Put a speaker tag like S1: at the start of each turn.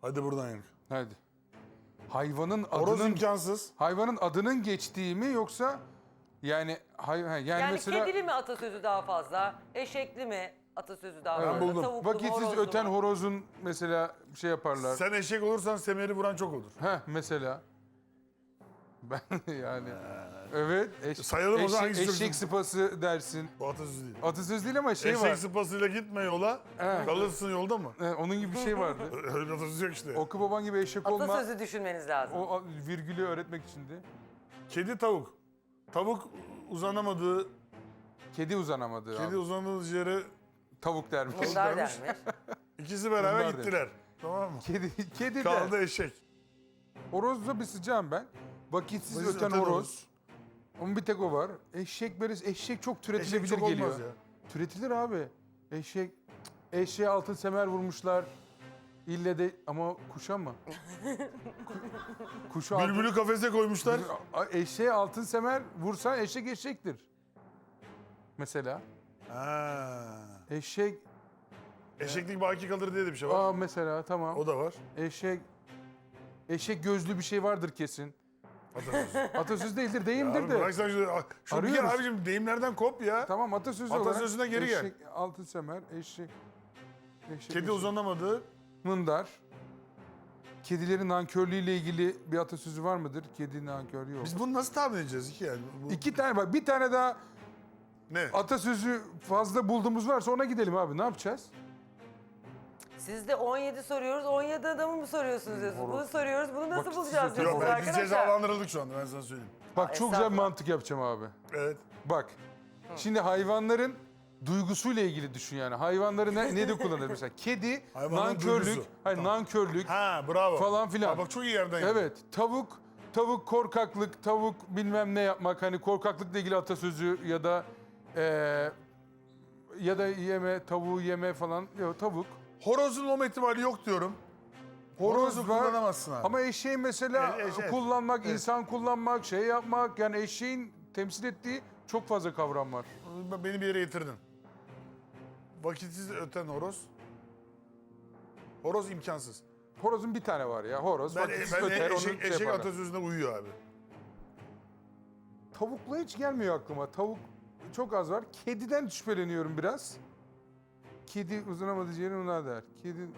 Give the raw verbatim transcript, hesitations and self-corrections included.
S1: Hadi buradan yak.
S2: Hadi. Hayvanın
S1: Horoz
S2: adının
S1: imkansız.
S2: hayvanın adının geçtiği mi yoksa yani hay, ha, yani,
S3: Yani
S2: mesela
S3: kedili mi atasözü daha fazla? Eşekli mi atasözü daha
S2: Evet.
S3: fazla?
S1: Ben buldum.
S3: Tavuklu mu,
S2: vakitsiz
S3: horozlu
S2: öten
S3: mu?
S2: horozun mesela şey yaparlar.
S1: Sen eşek olursan semeri vuran çok olur.
S2: Heh mesela. Ben yani evet eş,
S1: Sayalım o
S2: eşek,
S1: zaman hangisi çok
S2: eşek
S1: güzel?
S2: sıpası dersin.
S1: Bu atasözü değil.
S2: Atasöz değil ama şey
S1: Eşek
S2: var.
S1: sıpasıyla gitme yola,
S2: He.
S1: kalırsın yolda mı?
S2: He, onun gibi bir şey vardı.
S1: Öyle bir atasözü yok işte.
S2: Oku baban gibi eşek olma.
S3: Atasözü düşünmeniz lazım.
S2: O a- virgülü öğretmek içindi.
S1: Kedi tavuk. Tavuk uzanamadığı,
S2: Kedi uzanamadı.
S1: kedi
S2: abi.
S1: uzanamadığı yere
S2: Tavuk dermiş.
S3: Bunlar
S1: dermiş.
S3: dermiş.
S1: ikisi beraber
S2: Bunlar
S1: gittiler. Tamam mı?
S2: Kedi, kedi
S1: Kaldı
S2: de.
S1: eşek.
S2: Horozda bir sıcağım ben. Vakitsiz
S1: Vakitsiz
S2: öten
S1: öten
S2: horoz.
S1: horoz.
S2: Ama bir tek o var. Eşek böyle eşek çok
S1: Eşek
S2: türetilebilir
S1: çok
S2: geliyor.
S1: olmaz ya.
S2: Türetilir abi. Eşek eşeğe altın semer vurmuşlar. İlle de ama kuşa mı? Ku- Kuşa altın,
S1: Bülbülü kafese koymuşlar.
S2: A- eşeğe altın semer vursan eşek eşektir. Mesela
S1: Ha.
S2: eşek
S1: Eşeklik baki kalır diye de bir şey var.
S2: aa mesela tamam.
S1: O da var.
S2: Eşek eşek gözlü bir şey vardır kesin.
S1: Atasözü.
S2: Atasöz değildir, deyimdir
S1: Abi
S2: de.
S1: bırak sen şu, şu bir kere
S2: Arıyoruz.
S1: abicim deyimlerden kop ya.
S2: Tamam atasözü
S1: Atasözüne
S2: olarak
S1: geri gel.
S2: eşek, altın semer, eşek, eşek,
S1: Kedi
S2: eşek.
S1: uzanamadı.
S2: Mındar. Kedilerin nankörlüğüyle ilgili bir atasözü var mıdır? Kedi nankör yok.
S1: Biz bunu nasıl tahmin edeceğiz ki yani? Bu,
S2: İki tane bak, bir tane daha
S1: ne?
S2: atasözü fazla bulduğumuz varsa ona gidelim abi. Ne yapacağız?
S3: Siz de on yedi soruyoruz, on yedi adamı mı soruyorsunuz diyorsunuz? Bunu soruyoruz, bunu nasıl
S2: Bak,
S3: bulacağız
S2: siz-
S3: diyorsunuz
S1: Yok ben, biz
S3: arkadaşlar?
S1: cezalandırıldık şu anda ben sana söyleyeyim.
S2: Bak çok güzel bir
S3: estağfurullah.
S2: mantık yapacağım abi.
S1: Evet.
S2: Bak. Şimdi hayvanların duygusuyla ilgili düşün yani. Hayvanları ne, ne de kullanır mesela? Kedi
S1: Hayvanların
S2: nankörlük,
S1: duygusu.
S2: hayır nankörlük
S1: Ha bravo.
S2: falan filan.
S1: Ha, bak çok iyi yerden yaptın.
S2: Evet, tavuk, tavuk korkaklık, tavuk bilmem ne yapmak. Hani korkaklıkla ilgili atasözü ya da eee, ya da yeme, tavuğu yeme falan. Yok, tavuk.
S1: Horozun olma ihtimali yok diyorum. Horozu
S2: Horoz var.
S1: kullanamazsın abi.
S2: Ama eşeğin mesela
S1: E- eşek.
S2: kullanmak,
S1: Evet.
S2: insan kullanmak, şey yapmak. Yani eşeğin temsil ettiği çok fazla kavram var.
S1: Beni bir yere getirdin. Vakitsiz öten horoz. Horoz imkansız.
S2: Horozun bir tane var ya. Horoz
S1: Ben,
S2: vakitsiz
S1: ben
S2: öter, onu
S1: eşek,
S2: şey
S1: eşek
S2: yaparlar.
S1: atasözüne uyuyor abi.
S2: Tavukla hiç gelmiyor aklıma. Tavuk çok az var. Kediden şüpheleniyorum biraz. Kedi uzanamadığı yerin ona der. Kedi